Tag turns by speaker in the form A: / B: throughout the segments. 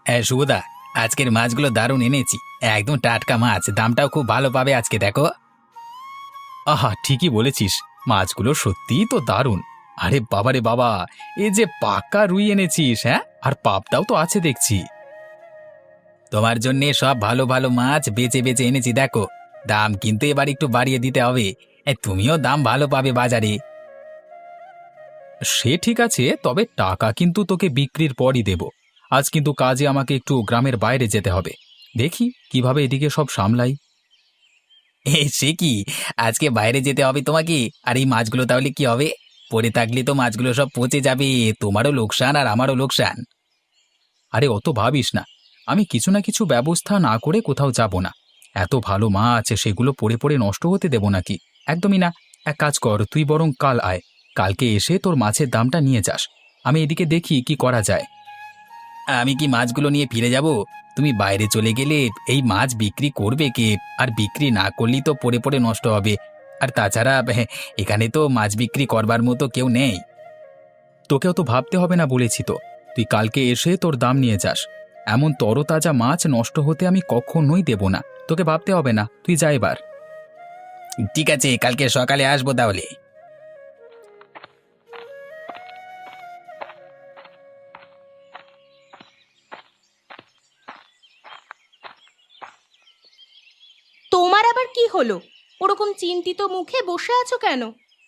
A: হ্যাঁ শুভদা, আজকের মাছগুলো দারুণ এনেছি। একদম টাটকা মাছ, দামটাও খুব ভালো পাবে আজকে দেখো। আহা, ঠিকই বলেছিস, মাছগুলো সত্যিই তো দারুণ। আরে বাবারে বাবা, এ যে পাকা রুই এনেছিস! হ্যাঁ, আর পাবদাও তো আছে দেখছি। তোমার জন্যে সব ভালো ভালো মাছ বেছে বেছে এনেছি দেখো। দাম কিন্তু এবার একটু বাড়িয়ে দিতে হবে। তুমিও দাম ভালো পাবে বাজারে। সে ঠিক আছে, তবে টাকা কিন্তু তোকে বিক্রির পরই দেব। আজ কিন্তু কাজে আমাকে একটু গ্রামের বাইরে যেতে হবে। দেখি কিভাবে এদিকে সব সামলাই। সে কি, আজকে বাইরে যেতে হবে তোমাকে? আর এই মাছগুলো তাহলে কি হবে? পড়ে থাকলে তো মাছগুলো সব পচে যাবে। তোমারও লোকসান আর আমারও লোকসান। আরে অত ভাবিস না, আমি কিছু না কিছু ব্যবস্থা না করে কোথাও যাব না। এত ভালো মাছ, সেগুলো পড়ে পড়ে নষ্ট হতে দেব নাকি? একদমই না। এক কাজ কর, তুই বরং কাল আয়। কালকে এসে তোর মাছের দামটা নিয়ে যাস। আমি এদিকে দেখি কি করা যায়। আমি কি মাছগুলো নিয়ে ফিরে যাব? তুমি বাইরে চলে গেলে এই মাছ বিক্রি করবে কে? আর বিক্রি না করলেই তো পড়ে পড়ে নষ্ট হবে। আর তাছাড়া এখানে তো মাছ বিক্রি করবার মতো কেউ নেই। তোকেও তো ভাবতে হবে না বলেছি তো। তুই কালকে এসে তোর দাম নিয়ে যাস। এমন তরতাজা মাছ নষ্ট হতে আমি কখনোই দেব না। তোকে ভাবতে হবে না, তুই যা এবার। ঠিক আছে, কালকে সকালে আসবো তাহলে।
B: তোমার আবার কি হলো? ওরকম চিন্তিত মুখে বসে আছো কেন?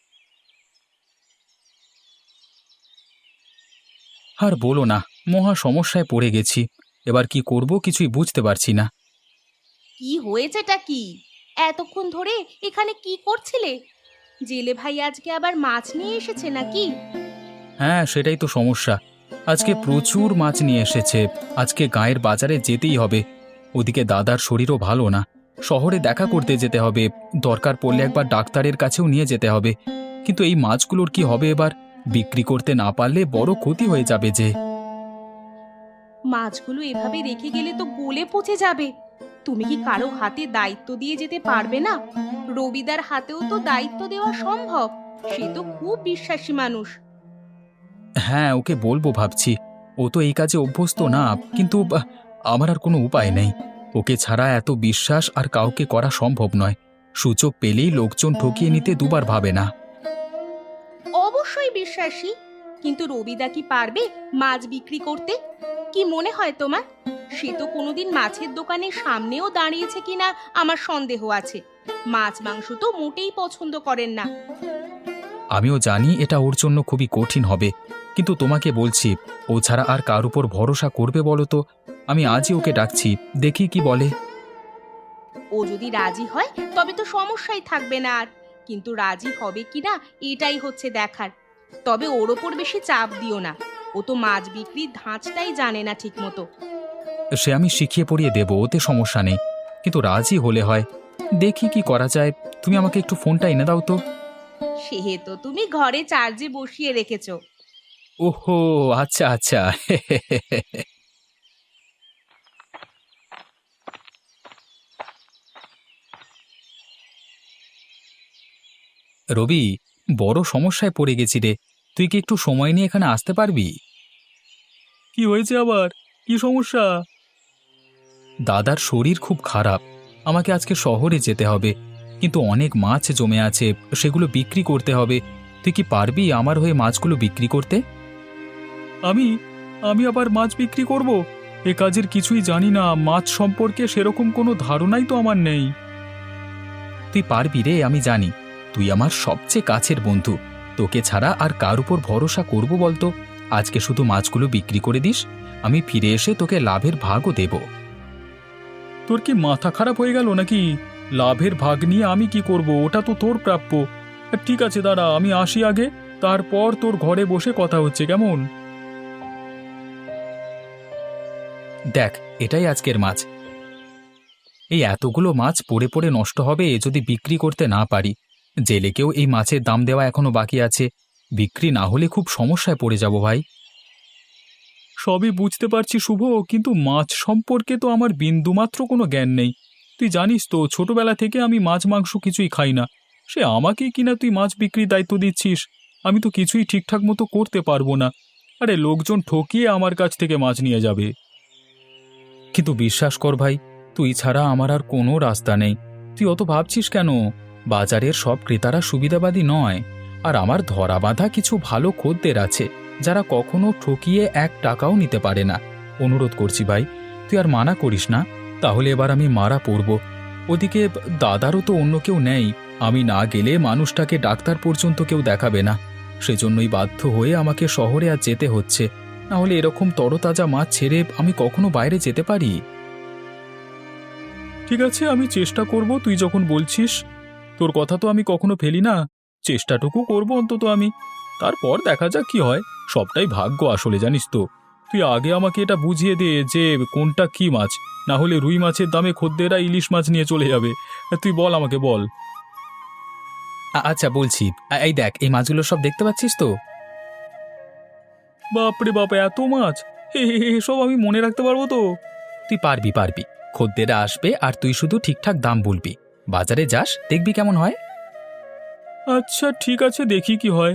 A: আর বলো না, মহা সমস্যায় পড়ে গেছি। এবার কি করব কিছুই বুঝতে পারছি না।
B: কি হয়েছেটা কি? এতক্ষণ ধরে এখানে কি করছিলে? জেলে ভাই আজকে আবার মাছ নিয়ে এসেছে নাকি?
A: হ্যাঁ, সেটাই তো সমস্যা। আজকে প্রচুর মাছ নিয়ে এসেছে। আজকে গায়ের বাজারে যেতেই হবে। ওদিকে দাদার শরীরও ভালো না। শহরে দেখা করতে যেতে হবে। দরকার পড়লে একবার ডাক্তারের কাছেও নিয়ে যেতে হবে। কিন্তু এই মাছগুলোর কি হবে এবার? বিক্রি করতে না পারলে বড় ক্ষতি হয়ে যাবে যে।
B: মাছগুলো এভাবে রেখে গেলে তো গলে পচে যাবে। তুমি কি কারো হাতে দায়িত্ব দিয়ে যেতে পারবে না? রবিদার হাতেও তো দায়িত্ব দেওয়া সম্ভব। সে তো খুব বিশ্বাসী মানুষ।
A: হ্যাঁ, ওকে বলবো ভাবছি। ও তো এই কাজে অভ্যস্ত না, কিন্তু আমার আর কোনো উপায় নেই। ওকে ছাড়া এত বিশ্বাস আর কাউকে করা সম্ভব নয়। সুযোগ পেলেই লোকজন ঠকিয়ে নিতে দুবার ভাবে না।
B: অবশ্যই বিশ্বাসী, কিন্তু রবিদা কি পারবে মাছ বিক্রি করতে? কি মনে হয় তোমার? সে তো কোনোদিন মাছের দোকানের সামনেও দাঁড়িয়েছে কিনা আমার সন্দেহ আছে। মাছ মাংস তো মোটেই পছন্দ করেন না।
A: আমিও জানি এটা ওর জন্য খুবই কঠিন হবে, কিন্তু তোমাকে বলছি, ও ছাড়া আর কার উপর ভরসা করবে বলো তো? আমি আজই ওকে ডাকছি, দেখি কি বলে।
B: ও যদি রাজি হয় তবে তো সমস্যাই থাকবে না আর। কিন্তু রাজি হবে কিনা এটাই হচ্ছে দেখার। তবে ওর ওপর বেশি চাপ দিও না। ও তো মাছ বিক্রির ধাঁচটাই জানে না ঠিক মতো।
A: সে আমি শিখিয়ে পড়িয়ে দেবো, ওতে সমস্যা নেই। কিন্তু রাজি হলে হয়। দেখি কি করা যায়। তুমি আমাকে একটু ফোনটা এনে দাও তো।
B: সে তো তুমি ঘরে চার্জে বসিয়ে রেখেছো।
A: ওহো, আচ্ছা আচ্ছা। রবি, বড় সমস্যায় পড়ে গেছি রে। তুই কি একটু সময় নিয়ে এখানে আসতে পারবি? কি হয়েছে আবার? কি সমস্যা? দাদার শরীর খুব খারাপ। আমাকে আজকে শহরে যেতে হবে। কিন্তু অনেক মাছ জমে আছে, সেগুলো বিক্রি করতে হবে। তুই কি পারবি আমার হয়ে মাছগুলো বিক্রি করতে? আমি আমি আবার মাছ বিক্রি করব? এ কাজের কিছুই জানি না, মাছ সম্পর্কে সেরকম কোনো ধারণাই তো আমার নেই। তুই পারবি রে, আমি জানি। তুই আমার সবচেয়ে কাছের বন্ধু। তোকে ছাড়া আর কার উপর ভরসা করব বলতো? আজকে শুধু মাছগুলো বিক্রি করে দিস, আমি ফিরে এসে তোকে লাভের ভাগও দেব। তোর কি মাথা খারাপ হয়ে গেল নাকি? লাভের ভাগ নিয়ে আমি কি করব? ওটা তো তোর প্রাপ্য। ঠিক আছে দাঁড়া, আমি আসি আগে, তারপর তোর ঘরে বসে কথা হচ্ছে, কেমন? দেখ, এটাই আজকের মাছ। এই এতগুলো মাছ পড়ে পড়ে নষ্ট হবে যদি বিক্রি করতে না পারি। জেলেকেও এই মাছের দাম দেওয়া এখনো বাকি আছে। বিক্রি না হলে খুব সমস্যায় পড়ে যাব ভাই। সবই বুঝতে পারছি শুভ, কিন্তু মাছ সম্পর্কে তো আমার বিন্দুমাত্র কোনো জ্ঞান নেই। তুই জানিস তো, ছোটবেলা থেকে আমি মাছ মাংস কিছুই খাই না। সে আমাকেই কিনা তুই মাছ বিক্রির দায়িত্ব দিচ্ছিস? আমি তো কিছুই ঠিকঠাক মতো করতে পারবো না। আরে লোকজন ঠকিয়ে আমার কাছ থেকে মাছ নিয়ে যাবে। কিন্তু বিশ্বাস কর ভাই, তুই ছাড়া আমার আর কোনো রাস্তা নেই। তুই অত ভাবছিস কেন? বাজারের সব ক্রেতারা সুবিধাবাদী নয়। আর আমার ধরা বাঁধা কিছু ভালো খদ্দের আছে, যারা কখনো ঠকিয়ে 1 টাকাও নিতে পারে না। অনুরোধ করছি ভাই, তুই আর মানা করিস না, তাহলে এবার আমি মারা পড়ব। ওদিকে দাদারও তো অন্য কেউ নেই, আমি না গেলে মানুষটাকে ডাক্তার পর্যন্ত কেউ দেখাবে না। সেজন্যই বাধ্য হয়ে আমাকে শহরে আর যেতে হচ্ছে। না হলে এরকম তরতাজা মাছ ছেড়ে আমি কখনো বাইরে যেতে পারি? ঠিক আছে, আমি চেষ্টা করব, তুই যখন বলছিস। তোর কথা তো আমি কখনো ফেলি না। চেষ্টাটুকু করব অন্তত আমি। তারপর দেখা যাক কি হয়। সবটাই ভাগ্য আসলে, জানিস তো। তুই আগে আমাকে এটা বুঝিয়ে দে যে কোনটা কি মাছ, না হলে রুই মাছের দামে খদ্দেররা ইলিশ মাছ নিয়ে চলে যাবে। তুই বল, আমাকে বল। আচ্ছা বলছি, এই দেখ, এই মাছগুলো সব দেখতে পাচ্ছিস তো? বাপরে বাপ, এত মাছ! এসব আমি মনে রাখতে পারবো তো? তুই পারবি পারবি। খদ্দেররা আসবে আর তুই শুধু ঠিকঠাক দাম বলবি। বাজারে যাস, দেখবি কেমন হয়। আচ্ছা ঠিক আছে, দেখি কি হয়।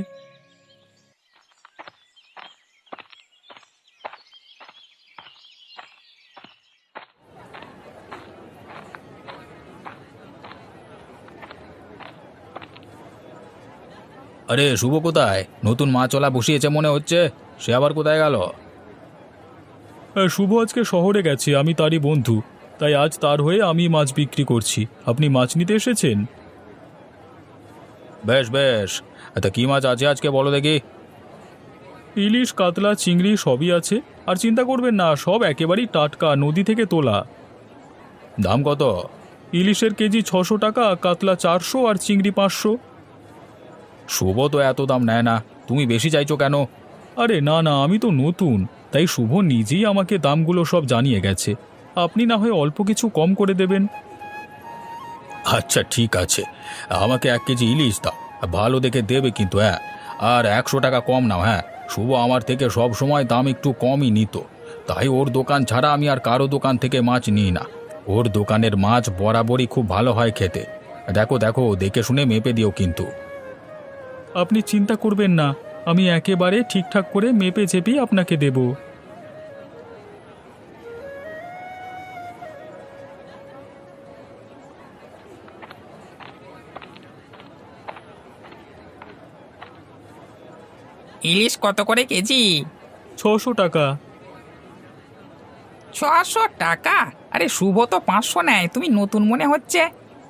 A: আরে শুভ কোথায়? নতুন মাছওয়ালা বসিয়েছে মনে হচ্ছে। সে আবার কোথায় গেল? শুভ আজকে শহরে গেছে, আমি তারই বন্ধু। তাই আজ তার হয়ে আমি মাছ বিক্রি করছি। আপনি মাছ নিতে এসেছেন? বেশ বেশ। তা কি মাছ আছে আজকে বলো দেখি। ইলিশ, কাতলা, চিংড়ি সবই আছে। আর চিন্তা করবেন না, সব একেবারেই টাটকা, নদী থেকে তোলা। দাম কত? ইলিশের কেজি 600 টাকা, কাতলা 400 আর চিংড়ি 500। শুভ তো এত দাম নেয় না, তুমি বেশি চাইছো কেন? আরে না না, আমি তো নতুন, তাই শুভ নিজেই আমাকে দামগুলো সব জানিয়ে গেছে। আপনি না হয় অল্প কিছু কম করে দেবেন। আচ্ছা ঠিক আছে, আমাকে 1 কেজি ইলিশ দাও। ভালো দেখে দেবে কিন্তু, হ্যাঁ। আর 100 টাকা কম নাও, হ্যাঁ। শুভ আমার থেকে সব সময় দাম একটু কমই নিত, তাই ওর দোকান ছাড়া আমি আর কারো দোকান থেকে মাছ নিই না। ওর দোকানের মাছ বরাবরই খুব ভালো হয় খেতে। দেখো দেখো, দেখে শুনে মেপে দিও কিন্তু। আপনি চিন্তা করবেন না, আমি একেবারে ঠিকঠাক করে মেপে চেপে আপনাকে দেব।
C: ইলিশ কত করে কেজি?
A: 600 টাকা।
C: 600 টাকা? আরে শুভ তো 500 নেয়, তুমি নতুন মনে হচ্ছে।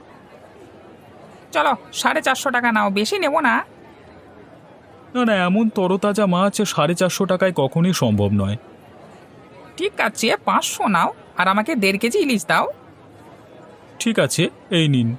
C: চলো 450 টাকা নাও, বেশি নেব না।
A: না না, এমন তরতাজা মাছ 450 টাকায় কখনই সম্ভব নয়।
C: ঠিক আছে 500 নাও, আর আমাকে 1.5 কেজি ইলিশ দাও।
A: ঠিক আছে, এই নিন।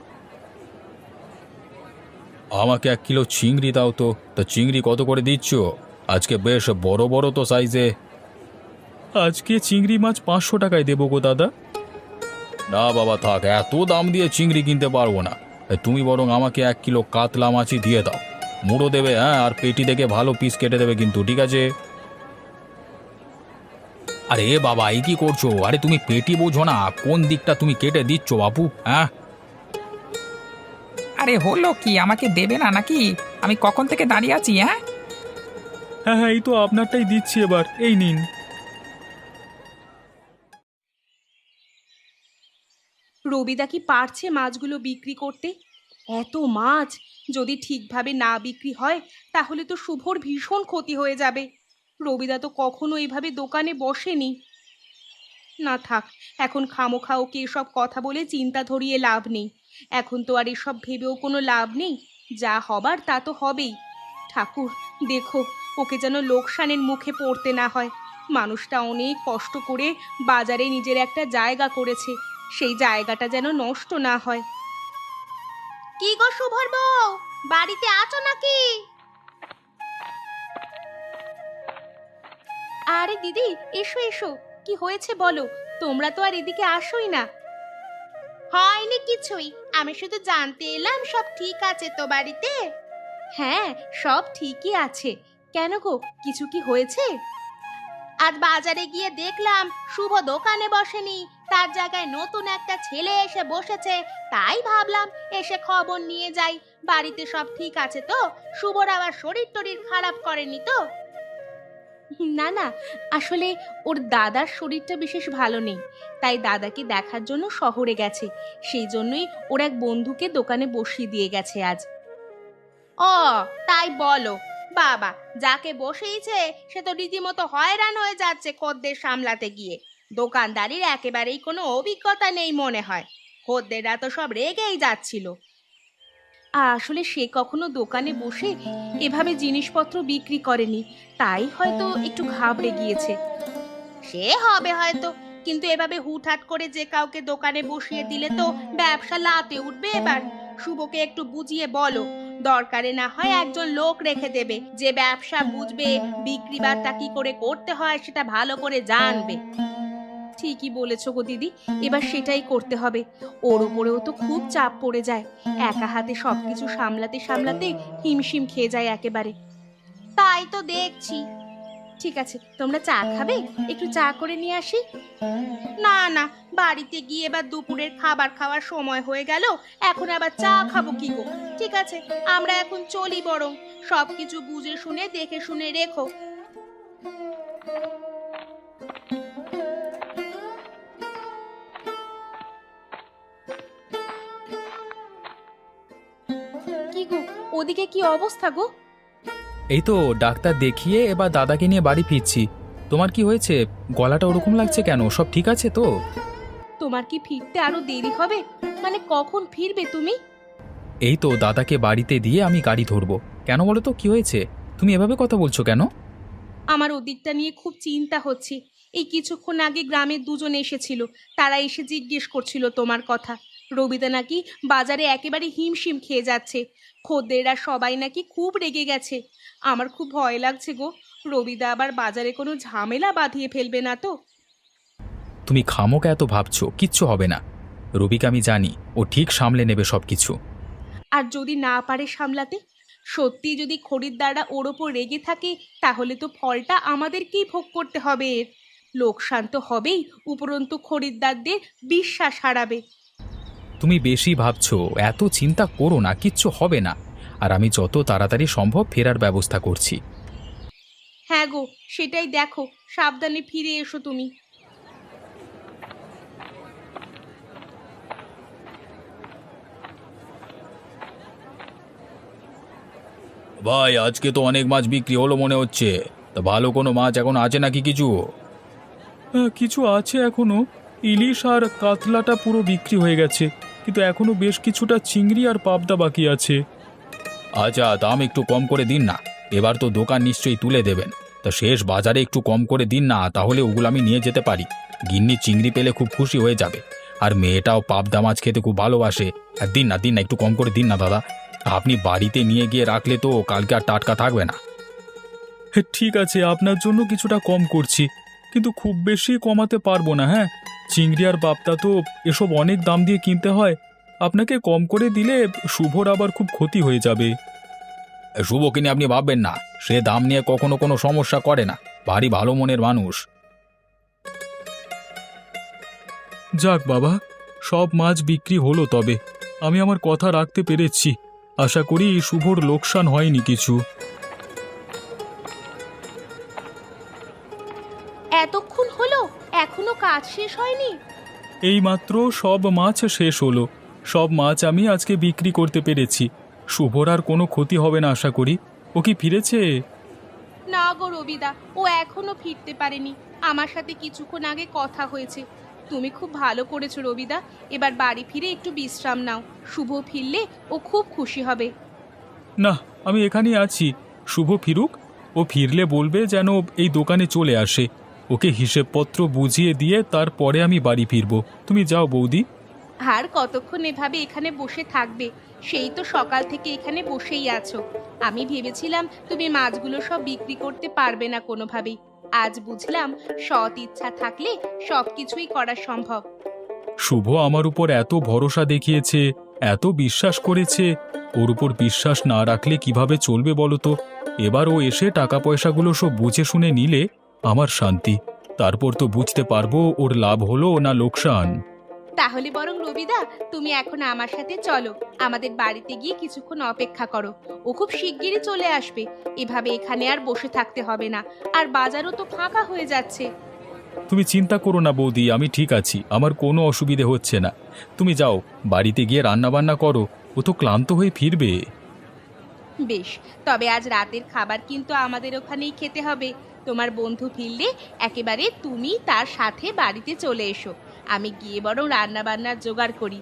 A: আমাকে 1 কিলো চিংড়ি দাও তো। তা চিংড়ি কত করে দিচ্ছ? আজকে বেশ বড় বড় তো সাইজে। আজকে চিংড়ি মাছ 500 টাকায় দেবো গো দাদা। না বাবা থাক, এত দাম দিয়ে চিংড়ি কিনতে পারবো না। তুমি বরং আমাকে 1 কিলো কাতলা মাছই দিয়ে দাও। মুড়ো দেবে, হ্যাঁ, আর পেটি দেখে ভালো পিস কেটে দেবে কিন্তু, ঠিক আছে? আরে বাবা, এই কি করছো? আরে তুমি পেটি বোঝো না, কোন দিকটা তুমি কেটে দিচ্ছ বাপু, হ্যাঁ?
C: আরে হলো কি, আমাকে দেবে না নাকি? আমি কখন থেকে দাঁড়িয়ে আছি, হ্যাঁ?
A: হ্যাঁ হ্যাঁ, এই তো আপনারটাই দিচ্ছি এবার, এই নিন।
B: রবিদা কি পারছে মাছগুলো বিক্রি করতে? এত মাছ যদি ঠিকভাবে না বিক্রি হয় তাহলে তো শুভর ভীষণ ক্ষতি হয়ে যাবে। রবিদা তো কখনো এইভাবে দোকানে বসেনি। না থাক, এখন খামোখা ওকে এসব কথা বলে চিন্তা ধরিয়ে লাভ নেই। এখন তো আর এসব ভেবেও কোনো লাভ নেই। যা হবার তা তো হবেই। ঠাকুর, দেখো ওকে যেন লোকসানের মুখে পড়তে না হয়। মানুষটা অনেক কষ্ট করে বাজারে নিজের একটা জায়গা করেছে, সেই জায়গাটা যেন নষ্ট না হয়। কি গো শুভর বউ, বাড়িতে আছো নাকি? আরে দিদি, এসো এসো। কি হয়েছে বলো, তোমরা তো আর এদিকে আসোই না। হয়নি কিছুই, আমি শুধু জানতে এলাম সব ঠিক আছে তো বাড়িতে। হ্যাঁ, সব ঠিকই আছে। কেন গো, কিছু কি হয়েছে? আজ বাজারে গিয়ে দেখলাম শুভ দোকানে বসেনি, তার জায়গায় নতুন একটা ছেলে এসে বসেছে। তাই ভাবলাম এসে খবর নিয়ে যাই, বাড়িতে সব ঠিক আছে তো, শুভর আবার শরীর টরীর খারাপ করেনি তো? না না, আসলে ওর দাদার শরীরটা বিশেষ ভালো নেই, তাই দাদাকে দেখার জন্য শহরে গেছে। সেই জন্যই ওর এক বন্ধুকে দোকানে বসিয়ে দিয়ে গেছে আজ। ও, তাই বলো? বাবা, যাকে বসেইছে সে তো রীতিমতো হয়রান হয়ে যাচ্ছে খদ্দের সামলাতে গিয়ে। দোকানদারির একেবারেই কোনো অভিজ্ঞতা নেই মনে হয়। খদ্দেররা তো সব রেগেই যাচ্ছিল। আসলে সে কখনো দোকানে বসে এভাবে জিনিসপত্র বিক্রি করেনি, তাই হয়তো একটু ঘাবড়ে গিয়েছে। সে হবে হয়তো, কিন্তু এভাবে হুটহাট করে যে কাউকে দোকানে বসিয়ে দিলে তো ব্যবসা লাতে উঠবে। এবার শুভকে একটু বুঝিয়ে বলো, দরকারে না হয় একজন লোক রেখে দেবে যে ব্যবসা বুঝবে, বিক্রি বাট্টা কি করে করতে হয় সেটা ভালো করে জানবে। ঠিকই বলেছো গো দিদি, এবার সেটাই করতে হবে। ওর উপরেও তো খুব চাপ পড়ে যায়, একা হাতে সবকিছু সামলাতে সামলাতে হিমশিম খেয়ে যায় একেবারে। তাই তো দেখছি। ঠিক আছে, তোমরা চা খাবে? একটু চা করে নিয়ে আসি। না না, বাড়িতে গিয়ে এবার দুপুরের খাবার খাওয়ার সময় হয়ে গেল, এখন আবার চা খাবো কি গো? ঠিক আছে, আমরা এখন চলি, বরং সবকিছু বুঝে শুনে দেখে শুনে রেখো। কি গো, ওদিকে কি অবস্থা গো?
A: এই তো ডাক্তার দেখিয়ে এবার দাদাকে নিয়ে বাড়ি ফিরছি। তোমার কি হয়েছে? গলাটা ওরকম লাগছে কেন? সব ঠিক আছে তো?
B: তোমার কি ফিরতে আরো দেরি হবে? মানে কখন ফিরবে তুমি?
A: এই তো দাদাকে বাড়িতে দিয়ে আমি গাড়ি ধরবো। কেন বলো তো, কি হয়েছে? তুমি এভাবে কথা বলছো কেন?
B: আমার ওদিকটা নিয়ে খুব চিন্তা হচ্ছে। এই কিছুক্ষণ আগে গ্রামের দুজন এসেছিল, তারা এসে জিজ্ঞেস করছিল তোমার কথা। রবিদা নাকি বাজারে একেবারে হিমশিম খেয়ে যাচ্ছে, খদ্দেররা সবাই নাকি খুব রেগে গেছে। আমার খুব ভয় লাগছে গো, রবিদা আবার বাজারে কোনো ঝামেলা বাঁধিয়ে ফেলবে না তো?
A: তুমি খামোকা এত ভাবছো, কিচ্ছু হবে না। রবিকে আমি জানি, ও ঠিক সামলে নেবে সবকিছু।
B: আর যদি না পারে সামলাতে, সত্যি যদি খরিদ্দাররা ওর ওপর রেগে থাকে, তাহলে তো ফলটা আমাদেরকেই ভোগ করতে হবে। এর লোকসান তো হবেই, উপরন্তু খরিদ্দারদের বিশ্বাস হারাবে।
A: তুমি বেশি ভাবছো, এত চিন্তা করো না, কিচ্ছু হবে না। আর আমি যত তাড়াতাড়ি সম্ভব ফেরার ব্যবস্থা করছি।
B: হ্যাঁ গো, সেটাই দেখো, সাবধানে ফিরে এসো তুমি।
A: ভাই, আজকে তো অনেক মাছ বিক্রি হলো মনে হচ্ছে। তা ভালো কোনো মাছ এখন আছে নাকি কিছু? কিছু আছে এখনো। ইলিশ আর কাতলাটা পুরো বিক্রি হয়ে গেছে, কিন্তু এখনো বেশ কিছুটা চিংড়ি আর পাবদা বাকি আছে। আচ্ছা, দাম একটু কম করে দিন না। এবার তো দোকান নিশ্চয়ই তুলে দেবেন। তা শেষ বাজারে একটু কম করে দিন না, তাহলে ওগুলো আমি নিয়ে যেতে পারি। গিন্নি চিংড়ি পেলে খুব খুশি হয়ে যাবে। আর মেয়েটাও পাবদা মাছ খেতে খুব ভালোবাসে। আর দিন না, দিন না, একটু কম করে দিন না দাদা। আপনি বাড়িতে নিয়ে গিয়ে রাখলে তো কালকে আর টাটকা থাকবে না। ঠিক আছে, আপনার জন্য কিছুটা কম করছি, কিন্তু খুব বেশি কমাতে পারবো না। হ্যাঁ, চিংড়ি আর পাবদা তো এসব অনেক দাম দিয়ে কিনতে হয়। আপনাকে কম করে দিলে শুভর আবার খুব ক্ষতি হয়ে যাবে। শুভ কিনে আপনি ভাববেন না, সে দাম নিয়ে কখনো কোনো সমস্যা করে না। ভারী ভালো মনের মানুষ। যাক বাবা, সব মাছ বিক্রি হলো, তবে আমি আমার কথা রাখতে পেরেছি। আশা করি শুভর লোকসান হয়নি কিছু।
B: এতক্ষণ হলো, এখনো কাজ শেষ হয়নি?
A: এইমাত্র সব মাছ শেষ হলো। সব মাছ আমি আজকে বিক্রি করতে পেরেছি। শুভর আর কোনো ক্ষতি হবে না আশা করি। ও কি ফিরেছে?
B: না গো রবিদা, ও এখনো ফিরতে পারেনি। আমার সাথে কিছুক্ষণ আগে কথা হয়েছে। তুমি খুব ভালো করেছো রবিদা, এবার বাড়ি ফিরে একটু বিশ্রাম নাও। শুভ ফিরলে ও খুব খুশি হবে।
A: না, আমি এখানেই আছি। শুভ ফিরুক, ও ফিরলে বলবে যেন এই দোকানে চলে আসে। ওকে হিসেবপত্র বুঝিয়ে দিয়ে তারপরে আমি বাড়ি ফিরব। তুমি যাও বৌদি।
B: আর কতক্ষণ এভাবে এখানে বসে থাকবে? সেই তো সকাল থেকে এখানে বসেই আছো। আমি ভেবেছিলাম তুমি মাছগুলো সব বিক্রি করতে পারবে না কোনোভাবেই। আজ বুঝলাম সৎ ইচ্ছা থাকলে সবকিছুই করা সম্ভব।
A: শুভ আমার উপর এত ভরসা দেখিয়েছে, এত বিশ্বাস করেছে। ওর উপর বিশ্বাস না রাখলে কিভাবে চলবে বলো তো? এবার ও এসে টাকা পয়সাগুলো সব বুঝে শুনে নিলে আমার শান্তি। তারপর তো বুঝতে পারবো ওর লাভ হলো না লোকসান।
B: তাহলে বরং রবিদা, তুমি এখন আমার সাথে চলো, আমাদের বাড়িতে গিয়ে কিছুক্ষণ অপেক্ষা করো। ও খুব শিগগিরই চলে আসবে। এভাবে এখানে আর বসে থাকতে হবে না। আর বাজারও তো ফাঁকা হয়ে যাচ্ছে।
A: তুমি চিন্তা করো না বৌদি, আমি ঠিক আছি, আমার কোনো অসুবিধে হচ্ছে না। তুমি যাও, বাড়িতে গিয়ে রান্না বান্না করো, ও তো ক্লান্ত হয়ে ফিরবে।
B: বেশ, তবে আজ রাতের খাবার কিন্তু আমাদের ওখানেই খেতে হবে। তোমার বন্ধু ফিরলে একেবারে তুমি তার সাথে বাড়িতে চলে এসো। আমি গিয়ে বরং রান্না বান্নার জোগাড় করি।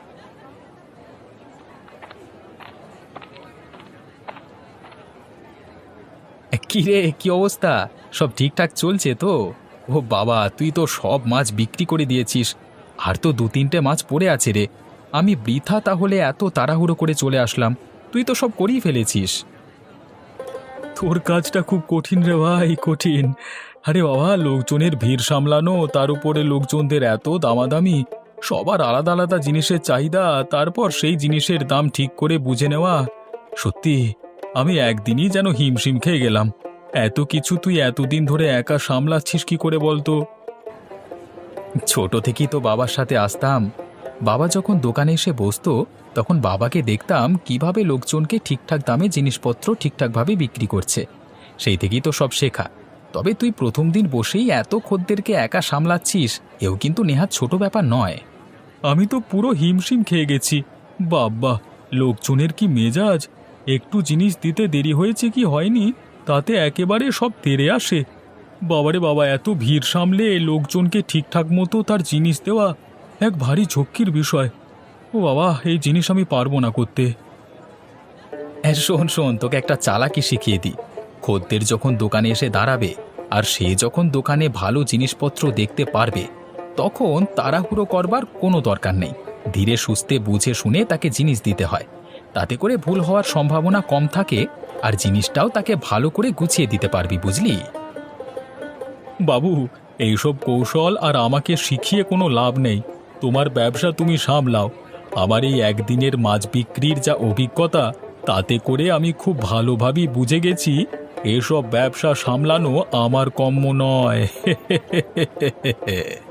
A: কি রে, কি অবস্থা? সব ঠিকঠাক চলছে তো? ও বাবা, তুই তো সব মাছ বিক্রি করে দিয়েছিস, আর তো 2-3টে মাছ পড়ে আছে রে। আমি বৃথা তাহলে এত তাড়াহুড়ো করে চলে আসলাম, তুই তো সব করেই ফেলেছিস। তোর কাজটা খুব কঠিন রে ভাই, কঠিন। আরে বাবা, লোকজনের ভিড় সামলানো, তার উপরে লোকজনদের এত দামাদামি, সবার আলাদা আলাদা জিনিসের চাহিদা, তারপর সেই জিনিসের দাম ঠিক করে বুঝে নেওয়া। সত্যি আমি একদিনই যেন হিমশিম খেয়ে গেলাম। এত কিছু তুই এতদিন ধরে একা সামলাচ্ছিস কি করে বলতো? ছোট থেকেই তো বাবার সাথে আসতাম। বাবা যখন দোকানে এসে বসতো, তখন বাবাকে দেখতাম কিভাবে লোকজনকে ঠিকঠাক দামে জিনিসপত্র ঠিকঠাকভাবে বিক্রি করছে। সেই থেকেই তো সব শেখা। তবে তুই প্রথম দিন বসেই এত খদ্দেরকে একা সামলাচ্ছিস, এও কিন্তু নেহাত ছোট ব্যাপার নয়। আমি তো পুরো হিমশিম খেয়ে গেছি। বাবা, লোকজনের কি মেজাজ! একটু জিনিস দিতে দেরি হয়েছে কি হয়নি, তাতে একেবারে সব তেড়ে আসে। বাবারে বাবা, এত ভিড় সামলে লোকজনকে ঠিকঠাক মতো তার জিনিস দেওয়া এক ভারী ঝক্কির বিষয়। ও বাবা, এই জিনিস আমি পারবো না করতে। শোন শোন, তোকে একটা চালাকি শিখিয়ে দিই। খদ্দের যখন দোকানে এসে দাঁড়াবে, আর সে যখন দোকানে ভালো জিনিসপত্র দেখতে পারবে, তখন তাড়াহুড়ো করবার কোনো দরকার নেই। ধীরে সুস্থে বুঝে শুনে তাকে জিনিস দিতে হয়। তাতে করে ভুল হওয়ার সম্ভাবনা কম থাকে, আর জিনিসটাও তাকে ভালো করে গুছিয়ে দিতে পারবি, বুঝলি? বাবু, এইসব কৌশল আর আমাকে শিখিয়ে কোনো লাভ নেই। তোমার ব্যবসা তুমি সামলাও। আমার এই একদিনের মাছ বিক্রির যা অভিজ্ঞতা, তাতে করে আমি খুব ভালোভাবেই বুঝে গেছি এসব ব্যবসা সামলানো আমার কম্ম নয়।